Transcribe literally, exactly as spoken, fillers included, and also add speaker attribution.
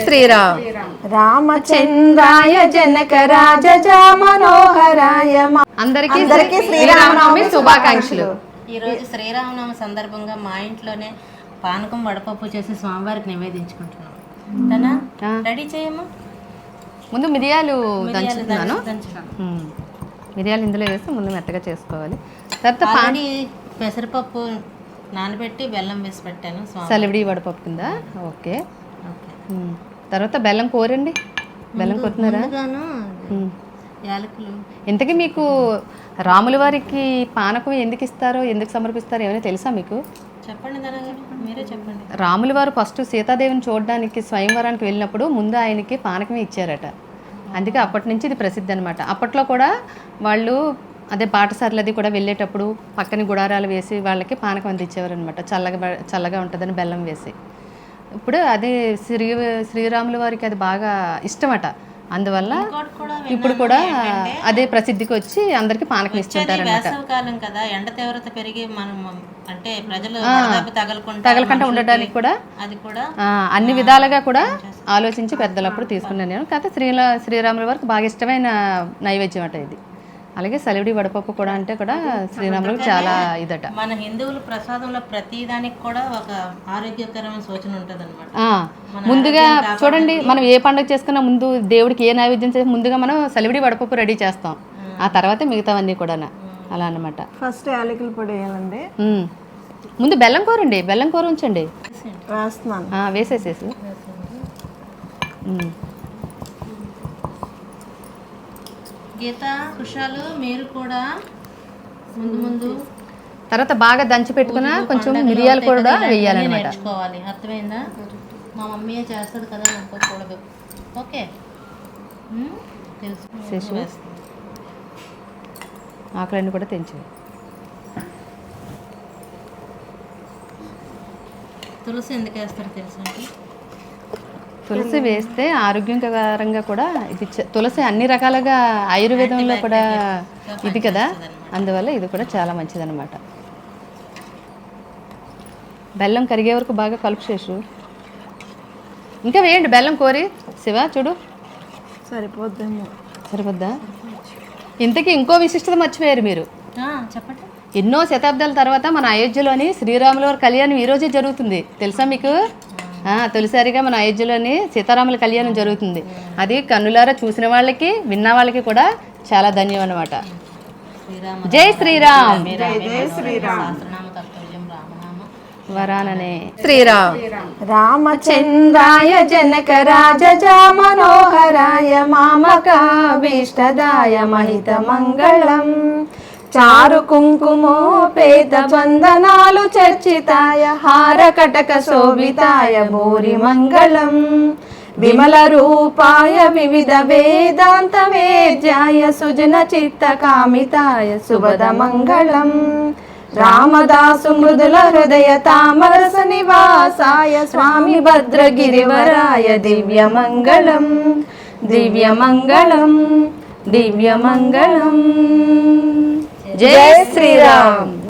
Speaker 1: శ్రీరామ్
Speaker 2: రామచంద్రాయ జనక రాజజ మనోహరాయ.
Speaker 1: అందరికీ శ్రీరామనవమి శుభాకాంక్షలు.
Speaker 3: ఈ రోజు శ్రీరామనవమి సందర్భంగా మా ఇంట్లోనే పానకం వడపప్పు చేసి స్వామివారికి నివేదించుకుంటున్నాం. తనా రెడీ చేయము.
Speaker 1: ముందు మిరియాలు దంచుతున్నాను. మిరియాలు ఇందులో వేసి ముందు మెత్తగా చేసుకోవాలి. తర్వాత
Speaker 3: పాని పెసరపప్పు నానబెట్టి బెల్లం వేసి పెట్టాను.
Speaker 1: సలివిడి వడపప్పు కింద. ఓకే. తర్వాత బెల్లం కోరండి. బెల్లం కొట్టినారా?
Speaker 3: యాలకులు.
Speaker 1: ఇంతకీ మీకు రాముల వారికి పానకం ఎందుకు ఇస్తారో, ఎందుకు సమర్పిస్తారో ఏమైనా తెలుసా మీకు?
Speaker 3: చెప్పండి మీరే చెప్పండి.
Speaker 1: రాముల వారు ఫస్ట్ సీతాదేవిని చూడడానికి స్వయంవరానికి వెళ్ళినప్పుడు ముందు ఆయనకి పానకమే ఇచ్చారట. అందుకే అప్పటి నుంచి ఇది ప్రసిద్ధి అనమాట. అప్పట్లో కూడా వాళ్ళు అదే బాటసార్లు అది కూడా వెళ్ళేటప్పుడు పక్కన గుడారాలు వేసి వాళ్ళకి పానకం అందించేవారు అనమాట. చల్లగా చల్లగా ఉంటుందని బెల్లం వేసి. ఇప్పుడు అదే శ్రీ శ్రీరాముల వారికి అది బాగా ఇష్టమట. అందువల్ల ఇప్పుడు కూడా అదే ప్రసిద్ధికి వచ్చి అందరికి పానకం ఇస్తుంటారు అనమాట.
Speaker 3: వేసవికాలం కదా, ఎండ తీవ్రత పెరిగి మనం అంటే ప్రజలు
Speaker 1: తగలకుండా ఉండడానికి కూడా అది కూడా అన్ని విధాలుగా కూడా ఆలోచించి పెద్దలప్పుడు తీసుకున్నాను నేను. కాకపోతే శ్రీలా శ్రీరాముల వారికి బాగా ఇష్టమైన నైవేద్యం అట ఇది. అలాగే సలివిడి వడపప్పు కూడా అంటే కూడా శ్రీరాములకు చాలా ఇదట.
Speaker 3: మన హిందువుల ప్రసాదంలో ప్రతి దానికి కూడా ఒక ఆరోగ్యకరమైన సూచన ఉంటుంది అనమాట.
Speaker 1: ముందుగా చూడండి, మనం ఏ పండుగ చేసుకున్నా ముందు దేవుడికి ఏ నైవేద్యం చేసి ముందుగా మనం సలివిడి వడపప్పు రెడీ చేస్తాం. ఆ తర్వాత మిగతావన్నీ కూడా అలా అనమాట.
Speaker 2: ఫస్ట్ యాలకుల పొడి వేయాలండి.
Speaker 1: ముందు బెల్లం కూరండి. బెల్లం కూర ఉంచండి.
Speaker 2: వేస్తున్నాను.
Speaker 1: వేసేసేసి
Speaker 3: గీత కుషాలు మీరు కూడా ముందు ముందు
Speaker 1: తర్వాత బాగా దంచి పెట్టుకున్న కొంచెం మిరియాలు కూడా వేయాలన్నమాట.
Speaker 3: నేర్చుకోవాలి. అర్థమైందా? మా మమ్మీ చేస్తుంది కదా, అనుకోకూడదు. ఓకే తెలుసు.
Speaker 1: ఆకులన్నీ కూడా తెంచి.
Speaker 3: తులసి ఎందుకు వేస్తారు తెలుసు అండి?
Speaker 1: తులసి వేస్తే ఆరోగ్యకరంగా కూడా ఇది. తులసి అన్ని రకాలుగా ఆయుర్వేదంలో కూడా ఇది కదా, అందువల్ల ఇది కూడా చాలా మంచిదన్నమాట. బెల్లం కరిగే వరకు బాగా కలుపు చేసు. ఇంకా వేయండి బెల్లం కోరి. శివ చూడు
Speaker 2: సరిపోద్దేమో.
Speaker 1: సరిపోద్దా? ఇంతకీ ఇంకో విశిష్టత మర్చిపోయారు మీరు.
Speaker 3: చెప్పండి.
Speaker 1: ఎన్నో శతాబ్దాల తర్వాత మన అయోధ్యలోని శ్రీరాముల వారి కళ్యాణం ఈరోజే జరుగుతుంది. తెలుసా మీకు? తొలిసారిగా మన అయోధ్యలోని సీతారాముల కళ్యాణం జరుగుతుంది. అది కన్నులారా చూసిన వాళ్ళకి విన్న వాళ్ళకి కూడా చాలా ధన్యం అన్నమాట. జై శ్రీరామ్. వరాననే శ్రీరామ్.
Speaker 2: రామచంద్రాయ జనక రాజజ మనోహరాయ మామకాభీష్టదాయ మహిత మంగళం. చారు కుంకుమోపేత బంధనాలు చర్చితాయ హార కటక శోభితాయ భూరి మంగళం. విమల రూపాయ వివిధ వేదాంత వేద్యాయ సుజన చిత్త కామితాయ శుభద మంగళం. రామదాసు మృదుల హృదయ తామరస నివాసాయ స్వామి భద్రగిరివరాయ దివ్య మంగళం. దివ్య మంగళం. దివ్య మంగళం. జై శ్రీరామ్.